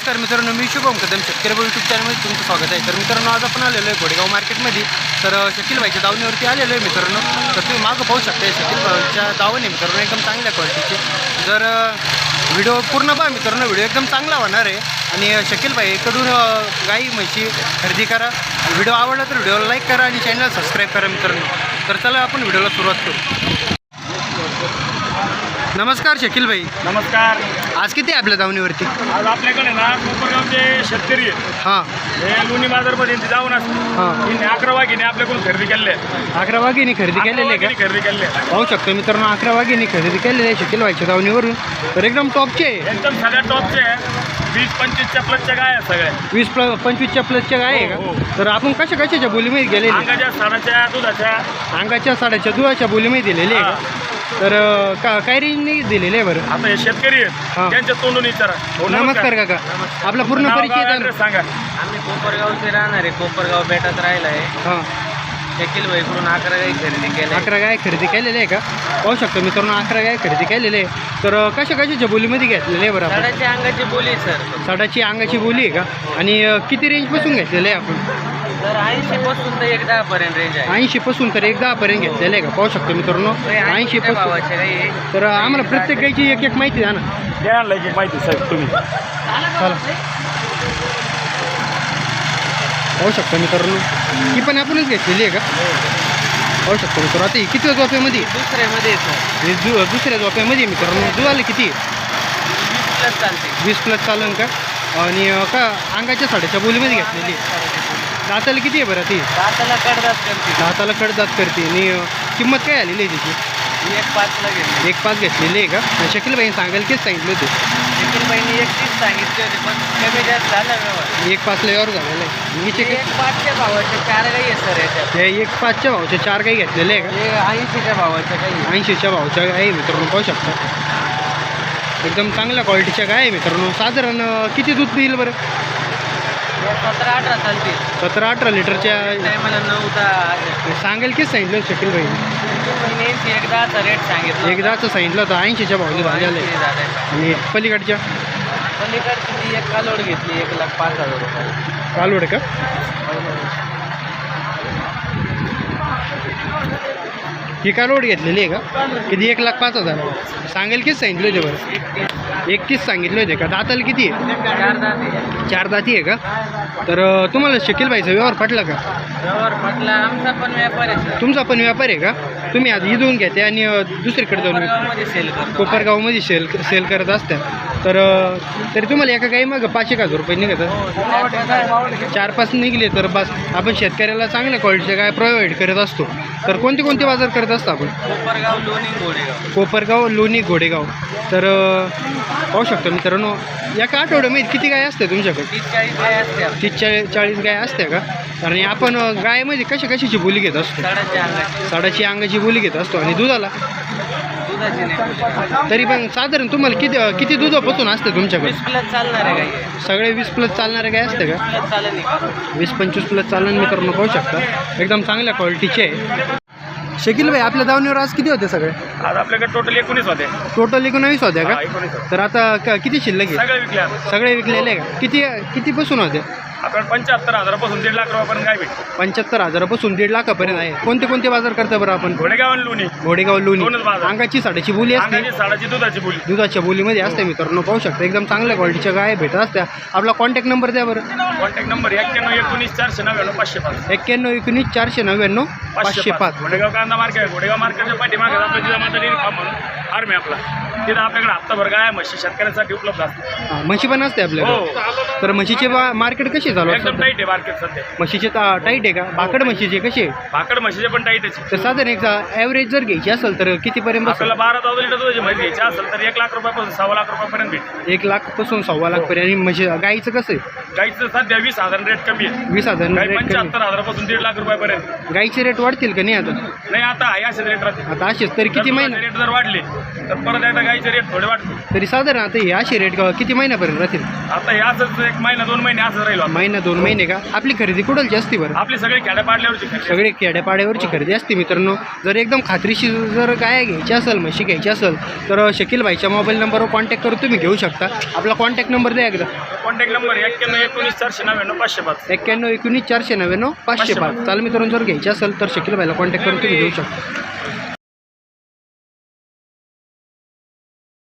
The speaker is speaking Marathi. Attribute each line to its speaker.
Speaker 1: नमस्कार मित्रांनो, मी शुभम कदम शेतकरी यूट्यूब चॅनलमध्ये तुमचं स्वागत आहे. तर मित्रांनो, आज आपण आलेलो आहे घोडेगाव मार्केटमध्ये. तर शकील भाईच्या दावणीवरती आलेलो आहे मित्रांनो. तर तुम्ही मागं पाहू शकता शकील भाईच्या दावणी मित्रांनो एकदम चांगल्या क्वालिटीचे. जर व्हिडिओ पूर्ण पहा मित्रांनो, व्हिडिओ एकदम चांगला होणार आहे. आणि शकील भाईकडून गाई म्हशी खरेदी करा. व्हिडिओ आवडला तर व्हिडिओला लाईक करा आणि चॅनल सबस्क्राईब करा मित्रांनो. तर चला आपण व्हिडिओला सुरुवात करू. नमस्कार शकील भाई.
Speaker 2: नमस्कार.
Speaker 1: आज किती आहे आपल्या दावणीवरती?
Speaker 2: आज आपल्याकडे ना कोपरगावचे शेतकरी आहेत.
Speaker 1: हां,
Speaker 2: हे लोणी बाजारमध्ये जाऊन
Speaker 1: हां,
Speaker 2: असते 11 वाघिणी आपल्याकडून खरेदी केले.
Speaker 1: 11 वाघिणी खरेदी केलेले आहे का?
Speaker 2: खरेदी केले
Speaker 1: पाहू शकतो मित्रांनो, 11 वाघिणी खरेदी केलेले आहे शकील भाईच्या दावणीवरून. तर एकदम टॉपचे आहे,
Speaker 2: एकदम सगळ्या टॉपचे आहे. 20-25च्या प्लसच्या गाय आहेत सगळ्या.
Speaker 1: 20-25च्या प्लसच्या गाय आहे
Speaker 2: हो,
Speaker 1: का? तर आपण कशाच्या बोलीमध्ये गेलेले?
Speaker 2: अंगाच्या साडाच्या दुधाच्या
Speaker 1: अंगाच्या साड्याच्या दुधाच्या बोलीमध्ये दिलेले आहे का? तर काय रेंजने दिलेले आहे बरं?
Speaker 2: आता हे शेतकरी
Speaker 1: हां.
Speaker 2: आहेत त्यांच्या तोंडून विचारा. हो,
Speaker 1: नमस्कार काका. आपला पूर्ण
Speaker 2: नाव,
Speaker 1: परिचय
Speaker 2: गाव,
Speaker 1: द्या.
Speaker 2: address सांगा.
Speaker 3: आम्ही कोपरगावचे राहणार आहे. कोपरगाव बेटात राहिला आहे.
Speaker 1: हां,
Speaker 3: शकील भाईकडून 11 गाई खरेदी केल्या.
Speaker 1: 11 गाय खरेदी केलेले आहे का? पाहू शकतो मित्रांनो, 11 गाय खरेदी केलेले आहे. तर कशाच्या बोलीमध्ये घेतलेले आहे बरं आपण?
Speaker 3: साडाच्या अंगाची बोली सर.
Speaker 1: साडाची अंगाची बोली आहे का? आणि किती रेंजपासून घेतलेले आहे आपण?
Speaker 3: तर 80 पासून तर 110 पर्यंत रेंज आहे.
Speaker 1: 80 पासून तर 10 पर्यंत घेतलेले आहे का? पाहू शकतो मित्रांनो, 80 पासून.
Speaker 3: भावाचे गाई आहे.
Speaker 1: तर आम्हाला प्रत्येक गायची एक एक माहिती द्या ना.
Speaker 2: द्यायला लागेल माहिती साहेब तुम्ही.
Speaker 1: चला, पाहू शकतो मित्रांनो, ही पण आपणच घेतलेली आहे का? पाहू शकतो मित्रांनो. आता ही किती झोप्यामध्ये?
Speaker 3: दुसऱ्यामध्ये आहे सर.
Speaker 1: हे दुसऱ्या झोप्यामध्ये मित्रांनो. दुधाला किती?
Speaker 3: 20 प्लस चालते.
Speaker 1: 20 प्लस चालन का? आणि का अंगाच्या साड्याच्या बोलीमध्ये घेतलेली आहे. दाताला किती आहे बरं ती?
Speaker 3: दाताला कडदात करते.
Speaker 1: दाताला कडदात करते. आणि किंमत काय आलेली आहे तिची?
Speaker 3: 1.5 घेतली.
Speaker 1: 1.5 घेतलेली आहे का? शकील भाई सांगायला किती सांगितलं होते?
Speaker 3: शकील भाईने 31 सांगितले होते, पण कमी जास्त झाला व्यवहार.
Speaker 1: 1.5 यावर झालेलं आहे. हिचे
Speaker 3: 1.5च्या भावाचे 4 गाई आहे सर याच्यात.
Speaker 1: हे 1.5च्या भावाच्या 4 गाई घेतलेले आहे का?
Speaker 3: हे 80च्या भावाच्या गाई आहे.
Speaker 1: 80च्या भावाच्या आहे मित्रांनो. पाहू शकता एकदम चांगल्या क्वालिटीच्या गाय आहे मित्रांनो. साधारण किती दूध देईल बरं?
Speaker 3: 17-18 चालते.
Speaker 1: 17-18 लिटरच्या
Speaker 3: टायमाला 9-10
Speaker 1: सांगेल किती सांगितलं शकील भाई?
Speaker 3: एकदाचा रेट सांगितलं.
Speaker 1: एकदाचं सांगितलं होतं 80च्या भावाने झालेलं आहे.
Speaker 3: झालं.
Speaker 1: आणि पलीकडच्या
Speaker 3: पलीकडची ती एक कालोड घेतली 1,05,000 रुपये.
Speaker 1: कालवड का? ही कालवड घेतलेली आहे का? किती? 1,05,000 सांगेल किती सांगितलं होते बरं? 31 सांगितले होते का? दाताला किती आहे?
Speaker 3: 4 दाते.
Speaker 1: 4 दाती आहे का? तर तुम्हाला शकील भाईचा व्यवहार पटला का?
Speaker 3: व्यवहार म्हटलं आमचा पण व्यापार आहे सर.
Speaker 1: तुमचा पण व्यापार आहे का? तुम्ही आज इथून घेते आणि दुसरीकडे जाऊन
Speaker 3: कोपरगावमध्ये सेल करतो.
Speaker 1: कोपरगावमध्ये सेल करत असत्या. तर तरी तुम्हाला एका काही मग 5,000 रुपये निघतात. 4-5 निघले तर बस. आपण शेतकऱ्याला चांगल्या क्वालिटीच्या काय प्रोव्हाइड करत असतो. तर कोणते कोणते बाजार करत असतो आपण?
Speaker 3: कोपरगाव, लोणी, घोडेगाव.
Speaker 1: कोपरगाव, लोणी, घोडेगाव. तर पाहू शकतो मित्रांनो, एका आठवड्यामध्ये किती गाय असते तुमच्याकडे?
Speaker 3: 30-40 गाय असते.
Speaker 1: 30-40 गाय असते का? आणि आपण गायमध्ये कशाची बोली घेत असतो?
Speaker 3: साडाच्या अंगाची.
Speaker 1: साडाची अंगाची बोली घेत असतो. आणि दुधाला
Speaker 3: दुधाची नाही.
Speaker 1: तरी पण साधारण तुम्हाला किती दुधापासून असते तुमच्याकडे?
Speaker 3: 20 प्लस चालणार आहे गाई.
Speaker 1: सगळे 20 प्लस चालणारे गाय असते का?
Speaker 3: प्लस चालेल नाही.
Speaker 1: 20-25 प्लस चालन मित्रांनो. पाहू शकता एकदम चांगल्या क्वालिटीचे आहे. शकील भाई, आपल्या दावणीवर आज किती होते सगळे?
Speaker 2: आज आपल्याकडे टोटल 19 होते.
Speaker 1: टोटल 19 होत्या का?
Speaker 2: 19 होते.
Speaker 1: तर आता किती शिल्लक आहे?
Speaker 2: सगळे विकले आता.
Speaker 1: सगळे विकलेले आहे का? कितीपासून होते?
Speaker 2: आपल्याकडे 75,000 1.5 लाख रुपयापर्यंत गाय भेटते.
Speaker 1: 75,000 1.5 लाखापर्यंत आहे. कोणते कोणते बाजार करता बरं आपण?
Speaker 2: घोडेगाव आणि लोणी.
Speaker 1: घोडेगाव, लोणी.
Speaker 2: दोनच बाजार.
Speaker 1: अंगाची साडाची बोली असते.
Speaker 2: अंगाची साडाची दुधाची बोली.
Speaker 1: दुधाच्या बोलीमध्ये असते मित्रांनो. पाहू शकता एकदम चांगल्या क्वालिटीच्या गाय भेटत असत्या. आपला कॉन्टॅक्ट नंबर द्या बरं.
Speaker 2: Contact number 91-19-499-505.
Speaker 1: 91-19-499-505.
Speaker 2: घोडेगाव कांदा मार्केट आहे. घोडेगाव मार्केटच्या पाठीमागे आपलं जिजा माता डेअरी फार्म म्हणून फार्म आहे आपला. तिथं आपल्याकडे हप्ताभर गाय म्हशी शेतकऱ्यांसाठी उपलब्ध असते.
Speaker 1: हां, म्हशी पण असते आपल्याकडे.
Speaker 2: हो,
Speaker 1: तर म्हशीचे मार्केट कसे चालू आहे?
Speaker 2: एकदम टाईट आहे मार्केट सध्या.
Speaker 1: म्हशीचे टाईट आहे का? भाकड म्हशीचे कसे?
Speaker 2: भाकड म्हशीचे पण टाईटच आहे.
Speaker 1: तर साधारण एक ॲव्हरेज जर घ्यायची असेल तर कितीपर्यंत बसेल?
Speaker 2: आपल्याला 12,000 लिटर दुधाची म्हैस घ्यायची असेल तर 1 लाख रुपयापासून 6 लाख रुपयापर्यंत भेटते.
Speaker 1: 1 लाखपासून 1.25 लाखपर्यंत. आणि म्हशी गाईचं कसं आहे?
Speaker 2: गाईचं सध्या 20,000 रेट कमी आहे.
Speaker 1: 20,000
Speaker 2: गाई
Speaker 1: रेट कमी.
Speaker 2: 75,000 पासून 1.5 लाख रुपयापर्यंत.
Speaker 1: गाईचे रेट वाढतील का नाही आता?
Speaker 2: नाही, आता आहे असेच रेट राहते.
Speaker 1: आता असेच तरी किती महिना?
Speaker 2: रेट जर वाढले तर परत एकदा गाईचे रेट थोडे वाढते.
Speaker 1: तरी साधारण आता हे असे रेट किती महिन्यापर्यंत राहतील?
Speaker 2: आता हे असंच एक महिना 2 महिने असं राहील आपलं.
Speaker 1: महिना 2 महिने का? आपली खरेदी कुठलची असते बरं?
Speaker 2: आपली सगळी खेड्यापाड्यावरची खरेदी.
Speaker 1: सगळे खेड्यापाड्यावरची खरेदी असते मित्रांनो. जर एकदम खात्रीशीर जर गाय घ्यायची असेल, म्हशी घ्यायची असेल तर शकील भाईच्या मोबाईल नंबरवर कॉन्टॅक्ट करून तुम्ही घेऊ शकता. आपला कॉन्टॅक्ट नंबर द्या एकदा.
Speaker 2: Contact number 9119 499 505.
Speaker 1: 91 19 499 505. चाल मित्रांनो, जर घ्यायची असेल तर शकील भाईला कॉन्टॅक्ट करून तुम्ही घेऊ शकता.